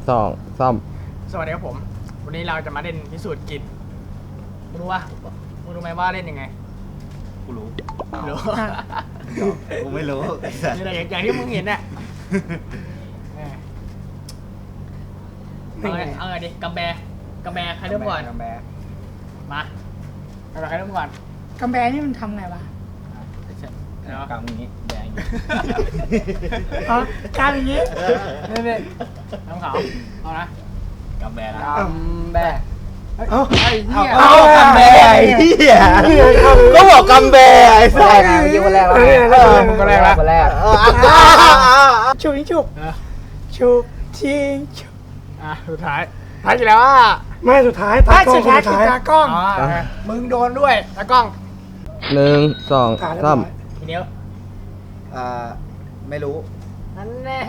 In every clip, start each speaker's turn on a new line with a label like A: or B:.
A: 2 3
B: สวัสดีครับผมวันนี้เราจะมาเล่นพิสูจน์กลิ่นมึงรู้ไหมว่าเล่นยังไง
C: กูรู้
B: รู้
C: กูไม่รู้
B: นี่แหละอย่างที่มึงเห็นน่ะเอาไงดิกำแบใครเริ่มก่อน
C: กำแบ
B: มาเอาใครเริ่มก่อน
D: กำแบนี่มันทำไงวะ
C: กำอย่างนี้แบงอย่างนี้
D: อ๋อการอย่างนี้
B: นี่น้ำขาวเอานะ
C: กำแบนะ
B: กำแบไอ้เหี้ย
C: เอากำแบไอ้เหี้ยก็บอกกำแบไอ้สัส
A: เมื่อกี้คนแรกแล้ว
B: มึงก็แรกละ
A: คนแรก
D: ชุบยิงชุบชุบชิงชุบ
B: สุดท้ายกี่แล้ว
D: ไม่สุดท้ายตากล้องสุดท้ายตากล้อง
B: มึงโดนด้วยตากล้อง
A: 1 2 3
B: ทีเดียว
C: ไม่รู้
B: นั่นแน่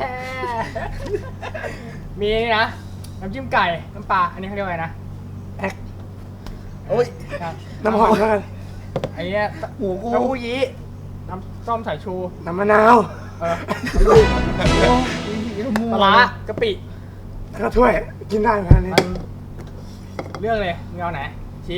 B: มีนี่นะน้ำจิ้มไก่น้ำปลาอันนี้เขาเรียกว่าไงนะ
D: แอ๊ก
C: โอ้ย
D: น้ำหอมแล้วกัน
B: ไอ้เนี้ย
C: หูกู
B: เต้าหู้ยี้น้ำส้มสายชู
D: น้ำมะนาว
B: ปลาร้ากะปิ
D: แล้วก็ถ้วยกินได้ไหมอันนี้
B: มันเลือกเลยมึงเอาไหนชี้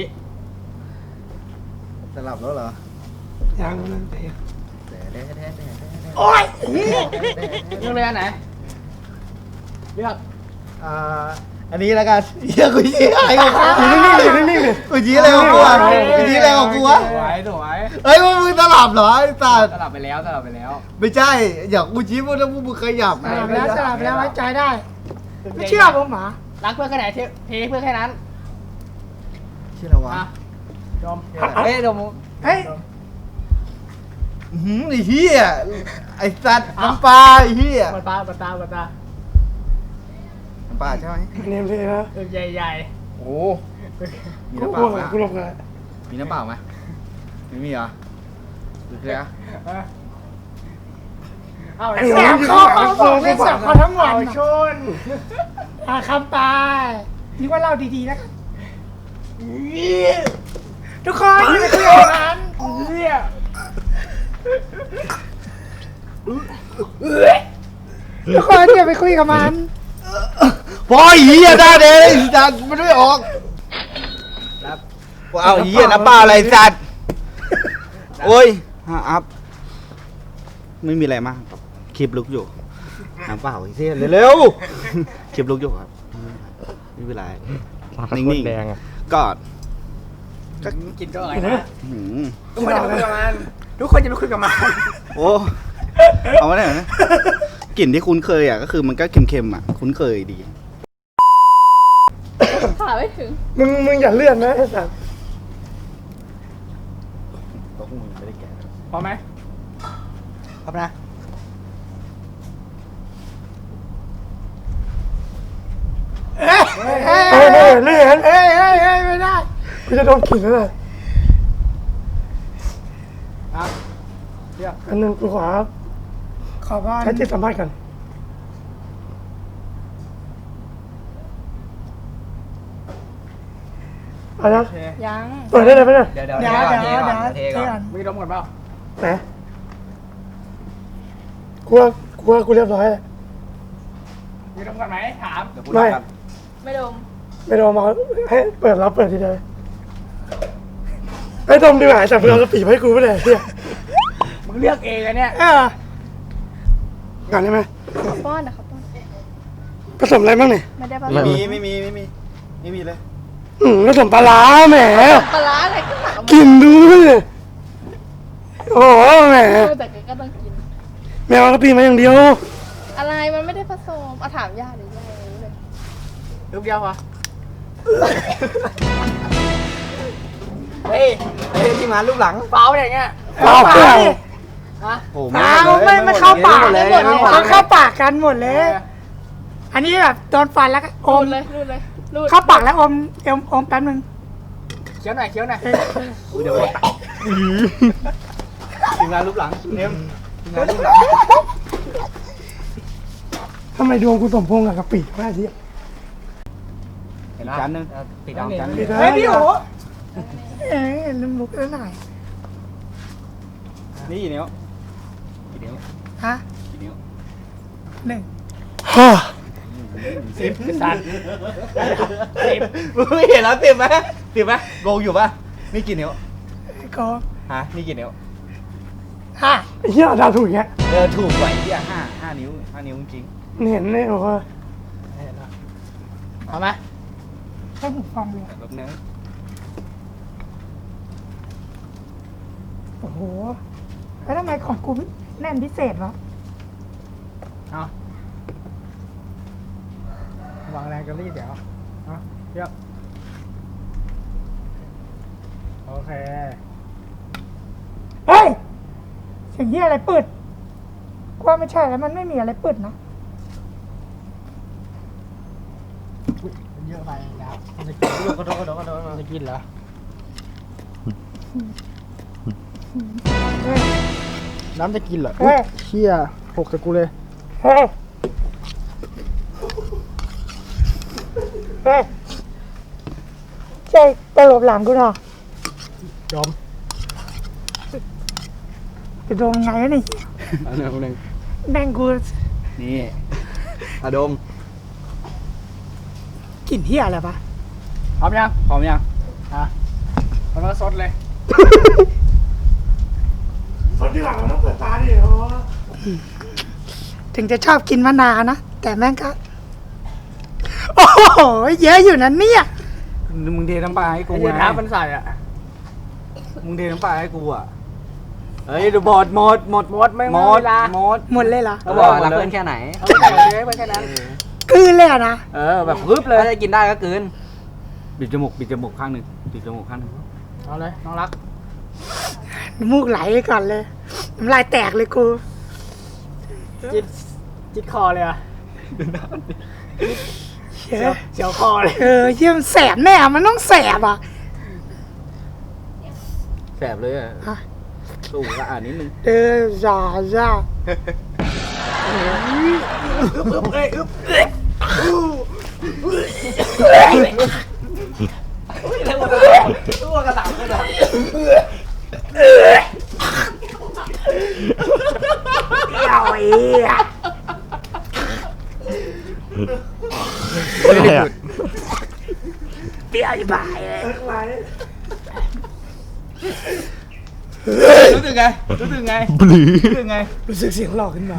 C: สลับแล้วเหรอ
D: ยังนั่นเอง
C: โอ้ย
B: เลือกเลยอันไหนเลือก
C: อันนี้แล้วกันเหี้ยกูชี้อะไรของกู
D: นิ่งๆเลย
C: กูชี้อะไรของกูอ่ะกูชี้อะไรของกูวะ
B: สวย
C: เฮ้ยมึงสลับเหรอไอ้สัส
B: สลับไปแล้ว
C: ไม่ใช่อยากกูชี้พวกนั้นพวกมึงขยับ
D: สลับแล้วไว้ใจได้ ไม่เชื่อผมหมา
B: รักเพื่อนแค่ไหนเทเพื่อนแค่นั้น
C: ชื่ออะไรวะ
B: ดมเฮ้ยดม
D: เฮ้ย
C: ไอ้เหี้ยไอ้สัตว์น้ำปลาไอ้เหี้ย
B: ปลา
C: น้ำปลาใช่ไหม
D: เนมเลยนะ
B: ใหญ่
C: โอ้มี
D: กู
C: น้ำเป
D: กลัว
C: ล่าไหม
D: กูหลบเลย
C: มีน้ำเปล่าไหมไม่มีเหรอดูสิอ่ะ
B: เอา
D: เสียงเขาบอกเล่นเสียงเขาทั้งวัน
B: ชน
D: คำตายนึกว่าเล่าดีๆแล้วกันทุกคนอย่าไปคุยกับมัน
B: เนี่ย
D: ทุกคนอย่าไปคุยกับมัน
C: พอไอ้เหี้ยได้เลยสัตว์มันไม่ออกเอาไอ้เหี้ยน้ำเปล่าอะไรสัตว์โอ้ยอัพไม่มีอะไรมากครับคลิปลุกอยู่น้ำเปล่าไอ้เหี้ยเร็วๆคลิปลุกอยู่ครับไม่เป็นไรนิ่ง
A: แดงอ่ะ
C: ๆก็
B: กินก็อะไร
D: เห็นไหม
B: นะ
C: หืม
B: ทุกคนจะไปคุยกับมันทุกคนจะไปคุยกับมัน
C: โอ้เอามาได้เหรอนะกลิ่นที่คุ้นเคยอ่ะก็คือมันก็เค็มๆอ่ะคุ้นเคยดี
E: ขาไม่ถึง
D: มึงอย่าเลื่อนนะไอ้สัส
C: ตัวมึงไม่ได้แก่
B: พอไหม
C: ครับนะ
D: เลื่อนไม่ได้กูจะโดนกลิ่นแล้วเลย อันนึงกูขอบ้านใช้จิตสัมผัสกันเอาละ
E: ยัง
D: เปิดได้เลยไหมเนี่ย
B: เดี๋ยว
D: เดี๋ยวเทก่อน
B: มีดมก่อนเปล่า
D: ไหนกูเรียบร้อยแล้ว
B: มีดมก่อนไหมถาม
D: ไม่
E: ไม่ดม
D: ไม่โดนมาให้เปิดรับเปิดทีเดียวไอ้ดมดีกว่าแต่เพื่อนกระปีให้กูไม่ได้เนี่ย
B: มึงเลือกเองอะเนี่ย
D: งานได้ไหม
E: ขอป้อนนะครับป้อน
D: ผสมอะไรบ้างเนี่ย
E: ไม่ได้ผส
C: ไม่
E: ม
C: มีเลย
D: ผสมปลาร้าแหม
E: ปลาร้าอะไรก็ตักออกมา
D: กินดูเลยโอ้โหแหม
E: แต่ก็ต้องกิน
D: แมวกระปีมาอย่างเดียว
E: อะไรมันไม่ได้ผสมเอาถามย่าหรือย่ารู้เลย
B: ลูกเดียวพอเฮ้ยที่มาลูกหลังเปล่าอย่างเงี้ย
D: เปล่าเปล่า
B: ฮะ
C: โอ้
D: ไม่เข้าปาก
C: เลย
D: เขาเข้าปากกันหมดเลย อันนี้แบบโดนฟันแล้วก็อ
E: รู
D: ม
E: ดเลยรูดเลยรูด
D: เข้าปากแล้วอมแป๊บนึง
B: เคี้ยวหน่อย
C: เดี๋ยวทีมงานรูปหลังเนมทีมงานรูปหลัง
D: ทำไมดวงกูสมพงษ์กับกะปิวะที่
C: เห็นจานนึงติดเอาจานนึง
D: เฮ้ยพี่โอ๋ลืมลุกแล้วหน่อย
C: นี่กี่นิ้วกี่นิ้ว
D: ฮะ
C: กี่นิ้ว
D: 1 ฮ่า
B: 10ไอ้สัตว์10
C: มึงไม่เห็นแล้ว10ไหม10ไหมงงอยู่ปะนี่กี่นิ้ว
D: ก็
C: ฮะนี่กี่นิ้ว
D: ไอ้เหี้ยดาวถูกอย่างเงี้ย
C: ถูกกว่าไอ้ที่ห้านิ้วจริง
D: เห็นเลยบอกว่า
B: เอาไหม
D: ให้ผมฟังเลย
C: แบบนึง
D: โอ้โหแล้วทำไมของกูแน่นพิเศษวะ
B: เอาวางแรงกระรีดเดี๋ยวเอาเยอะโอเค
D: เฮ้ยเสียงเหี้ยอะไรปืดกว่าไม่ใช่แล้วมันไม่มีอะไรปืดนะ
B: เยอะไปแล้วมันจะกินกระโดดมันจะกินเหรอ
D: เฮ้ย
B: น้ำจะกินเหรอ
D: เฮ้ย
B: เชี่ยหกกับกูเลย
D: เฮ้ยเฮ้ยใช่ตลบหลังกูเหรอ
B: จม
D: จะโดนไงวะนี่
B: อันหนึ่ง
D: แม่งกู
C: นี่อะดม
D: กลิ่นเหี้ยอะไรปะ
B: พร้อมยัง
C: พร้อมยัง
B: มันก็ซดเลย
D: คนที่หลังเราต้องเปิดตาดิโอ้ถึงจะชอบกินมะนาวนะแต่แม่งก็โอ้โหเยอะอยู่นั้นเนี่ย
C: มึงเทน้ำปลาให้กู
B: ไอ้เหี้ย
C: ไง
B: น้ำมันใส่อ่ะ
C: มึงเทน้ำปลาให้กูอ่ะเฮ้ยดูหมด
B: หมดไม่
C: หม
B: เว
C: ด
B: ลา
C: หมด
D: หมดเลยเหรอ
A: ก็บอกรักเพื่อนแค่ไหน
B: เอาไปเลยไปแค่นั้น
D: กลืนเลยอะนะ
C: แบบปึ๊บเลย
A: ถ้าจะกินได้ก็กลืน
C: ปิดจมูกข้างหนึ่งปิดจมูกข้างหนึ่ง
B: เอาเลยน้องรัก
D: น้ำมูกไหลก่อนเลยน้ำลายแตกเลยกู
B: จิตคอเลยอ่ะ
D: เชี่ย
B: เสียวคอเลย
D: เชี่ยมันแสบแน่มันต้องแสบอ่ะ
C: แสบเลยอ่ะ
D: ฮะ
C: สูงละนิดนึง
D: จ้าจ้า
C: ตัวกระดับเลยนะ
D: เอาไอ้เหี้ย เปรี้ยวจะบายเลย
C: รู้สึกไงรู้สึกไงไง
D: รู้สึกเสียงหลอกขึ้นมา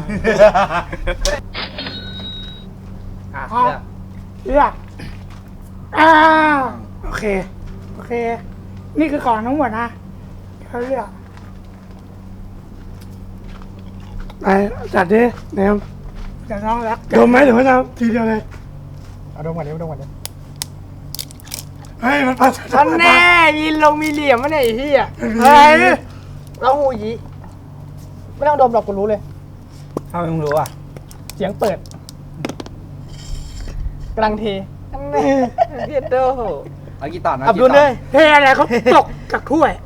B: อ่ะ
D: เลือกโอเค โอเค นี่คือของทั้งหมดนะเขาเลือกไปจัดดิแนมจัดน้องรักดมไหมหรือว่าจะทีเดียวเลย
B: เอาดมก่อนดิเอาดมก่อนดิ
D: เฮ้ยมันปัสสาวะ
B: อันแน่มีเหลี่ยมวะเนี่ยไอ้เหี้ย
D: เฮ้ย
B: เราหูยีไม่ต้องดมหรอกกูรู้เลย
C: เอามึงรู้อ่ะ
B: เสียงเปิดกำลังเทอันแน่เพียดโด
C: เอากี่ตอนนะ
B: อับดุลเลย
D: เทอะไรเขาตกจากถ้วย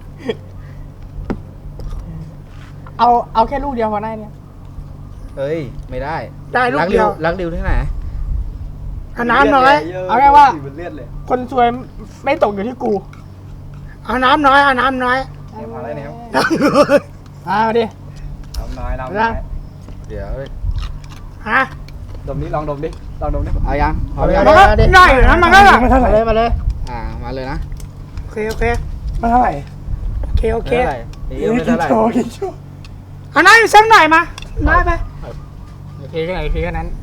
B: เอาแค่ลูกเดียวพอได้เนี่ย
C: เฮ้ยไม่ได้
D: ได้ลูกเดียว
C: รักริวที่ไหน
D: เอาน้ำน้อย
B: เอาแค่ว่า
C: มันเลือดเลย
B: คนซวยไม่ตกอยู่ที่กู
D: เอาน้ำน้อยเอาน้ำน้อย
C: เนี่ยมาแล้วเนี่ย
B: เอาดิ
C: น้ำน้อย
B: ยัง
C: เดี๋ยว
D: ฮะ
C: ดมนี้ลองดมดิเอายัง
B: เอาเลย
D: มันก็ได้อยู่นะมันก็แบบ
B: มาเลยมาเลย
C: มาเลยนะ
D: โอเคโอเคมาเท่าไหร่โอเคโอเค
C: ไม่เท่าไหร่
D: เอาน้ำอยู่สักหน่อยมาน้อยไป
B: โอเคแค่ไหนโอเคแค่นั้น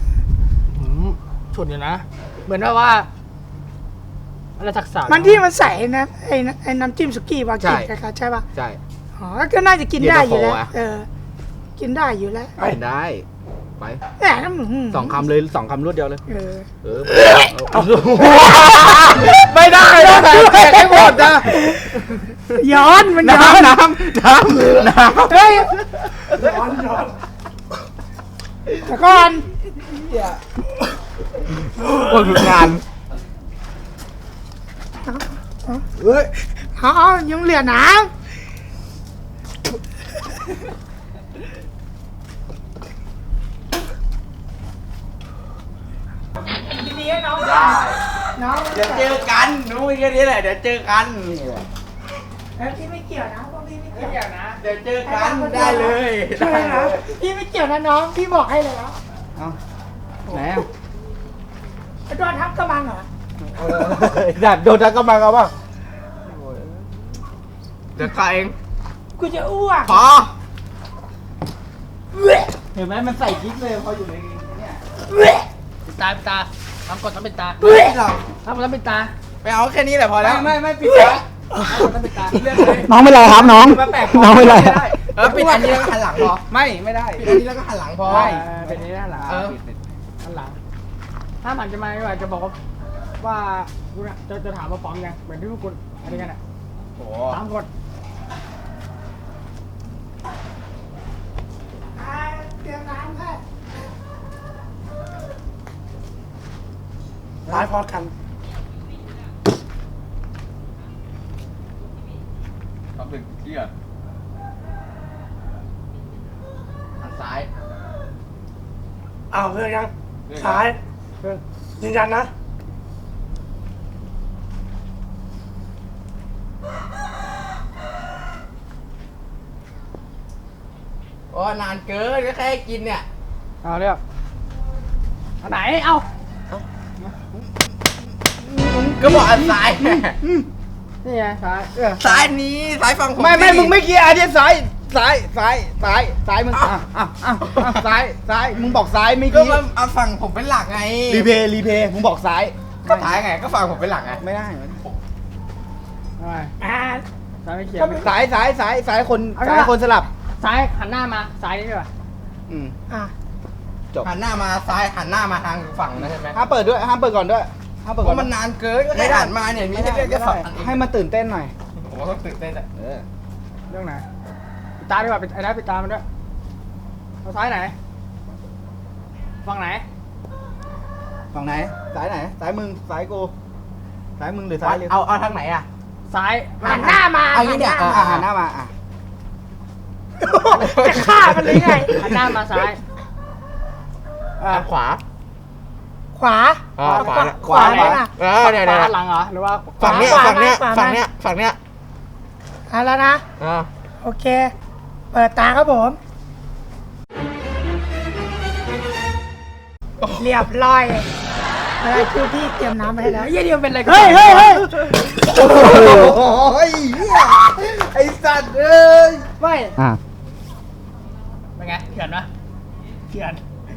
B: ฉุดอยู่นะ เหมือนว่าอะไรทักษะ
D: มันที่มันใส่นะไอ้น้ำจิ้มสุกี้วากิคล้ายๆใช่ป่ะ
C: ใช่
D: อ๋อก็น่าจะกินได้อยู่แล้ว
C: เย็นตาโฟอะ
D: กินได้อยู่แล้ว
C: กินได้ไป
D: แหมน้ำ
C: 2 คำเลย2 คำรวดเดียวเลย
B: ไม่ได้นะแตกให้หมดนะ
D: ย้อนมันย้อน
C: น้ำ
D: เฮ้ยแต่ก่อน
C: โอ้ยงาน
D: เอายังเหลือน้ำดีๆให้น้องน้อง
C: เดี๋ยวเจอกันนู้นแค่นี้แหละเดี๋ยวเจอกัน
D: แล้วพี่ไม่เกี่ยวนะพวกพี่ไม่เกี่ยวนะ
C: เดี๋ยวเจอกันได้เลย
D: ใช่นะพี่ไม่เกี่ยวนะน้องพี่บอกให้เลยแล้ว
C: เอาไหน
D: โดนทับกระมังเหรอ
C: ดัดโดนทักกระบังเอาป่ะ
B: เดี๋ยวข้าเอง
D: กูจะอ้วก
B: พอ
C: เห็นไหมมันใส่กิ๊กเลยพออยู่ในเนี่ย
B: ปิดตาปิดตาทำกดต้องปิดตา
C: เรา
B: ทำกดต้องปิดตา
F: ไปเอาแค่นี้แหละพอแล้ว
C: ไม่ปิดตา
B: ทำกดต้องปิดตาเรื่องเลย
C: น้องไม่ไรครับน้อง
F: มาแปลก
C: น้องไม่ไร
F: ปิดอันนี้แล้วก็หันหลังพอ
C: ไม่ได้
F: ปิดอันนี้แล้วก็หันหลังพอ
B: เป็นนี้ด้านหลัง
F: เออ
B: ด้านหลังถ้ามันจะมาว่าจะบอกว่าคุณจะถามว่าฟ้องยังเหมือนที่พวกคุณอะไรกันอ่ะ
F: โอ้
B: ตามกด
D: เตรียมน้ำค่ะตายพอกัน
F: ทำถึงเที่ยหันซ้าย
D: เอาเพื่อนยังซ้ายเพื่อนยืนยันนะ
F: โอ้นานเกินก็แค่กินเนี่ย
B: เอาเรียกอันไหนเอา
F: ก็บอกอันซ้าย
B: นี่ไงซ้าย
F: ซ้ายนี้ซ้ายฝั่งผม
C: ไม่
F: สิ
C: มึงไม่เกียร์อันนี้ซ้ายมึงซ้ายมึงบอกซ้ายไม่
F: ก็
C: กี้
F: มาเอาฝั่งผมเป็นหลักไง
C: รีเพย์มึงบอกซ้าย
F: ก็ซ้ายไงก็ฝั่งผมเป็นหลักไง
C: ไม่ได้
B: ทำไม
D: อ่า
B: ซ้ายไม่เขียน
C: ซ้ายคนสลับ
B: ซ้ายหันหน้ามาซ้ายนี่ดีกว่า
D: อ่ะ
C: จบ
F: หันหน้ามาซ้ายหันหน้ามาทางฝั่งนะใช่ไหม
C: ห้ามเปิดด้วยห้ามเปิดก่อนด้วยห้ามเปิด
F: เพ
C: ก่อน
F: ราะมันนานเกินก็แค่หันมาเนี่ยมีแค่แค่ฝั่งอันเอง
C: ให้มันตื่นเต้นหน่อย
F: ผมก็ต้องตื่นเต้นอะ
B: เรื่องไหนปิดตาดีกว่าปิดไอ้ได้ปิดตามันด้วยเอาซ้ายไหนฝั่งไหน
C: ฝั่งไหนซ้ายไหนซ้ายมึงซ้ายกูซ้ายมึงหรือซ้ายเร็ว
F: เอาทางไหนอะ
B: ซ้าย
D: หันหน้ามา
F: เอางี้เนี่ย
C: หันหน้ามา
D: จะฆ่ากันเลยไง
B: หันหน้ามาซ้าย
F: ทางขวา
D: ขวา
F: ขวา
D: ไหนล่ะ
F: เนี่ย
B: ขวาหลังเหรอหรือว่า
F: ฝั่งเนี้ย
D: ขวา
F: ฝั่งเนี้ย
D: ขวา
F: ฝั่งเนี้ยฝั่งเนี้ย
D: เอาแล้วนะ โอเค เปิดตาครับผม เรียบร้อยคือพี่เตรียมน้ำไปให้แล้ว
B: เยี่ยนี่มันเป็นอะไรกัน
D: เฮ้ย
C: โอ้ยไอ้สัตว์เอ้ย
B: ไม่
C: อ่ะ
B: เป็นไงเขียนปะเขียน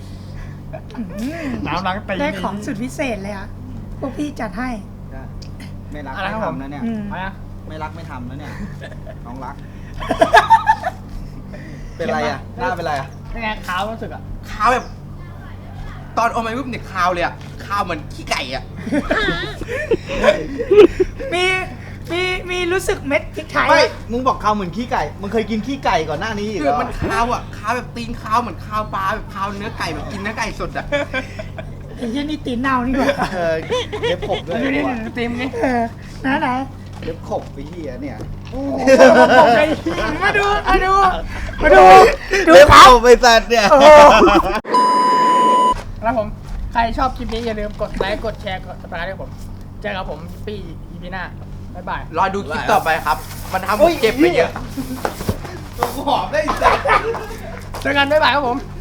B: น้ำล้างตีน
D: ได้ของสุดพิเศษเลยอ่ะ พวกพี่จัดให้
C: ไม่รักไม่ทำนะเนี่ย
D: อืม
B: เอายัง
C: ไม่รักไม่ทำนะเนี่ยน้องรัก เป็นไรอ่ะหน้าเป็นไรอ่ะ
B: เป็นไงขาวรู้สึกอ่ะ
F: คาวแบบ ตอนอมไอ้ปุ๊บเนี่ยคาวเลยอะคาวเหมือนขี้ไก่อะ
D: มีรู้สึกเม็ดพริกไทย
C: ไม่มึงบอกข้าวเหมือนขี้ไก่มึงเคยกินขี้ไก่ก่อนหน้านี้อีก
F: คื
C: เหร
F: อ
C: อ
F: มันคาวอะคาวแบบตีนคาวเหมือนคาวปลาแบบคาวเนื้อไก่แบบกินเนื้อไก่สดอะ
D: ไอ้เหี้ยนี่ตีนเน่านี่หว่า
C: เล็บขบด้วย
B: ดูนี่ตีมนี่
D: ไหน
C: เล็บขบไปเหี้ยเนี่ย
D: มาดู
C: เล็บ
D: ครับ
C: ขบไปสัตว์เนี่ย
D: โอ้โห
B: แล้วผม ใครชอบคลิปนี้อย่าลืมกดไลค์ กดแชร์ กดซับสไครต์ให้ผม เจอกับผมปีอีพีหน้า บ๊ายบาย
F: รอดูคลิปต่อไปครับ มันทำผมเจ็บไปเยอะ
C: ตัวหอมได้สัตว์
B: เจอกันบ๊ายบายครับผม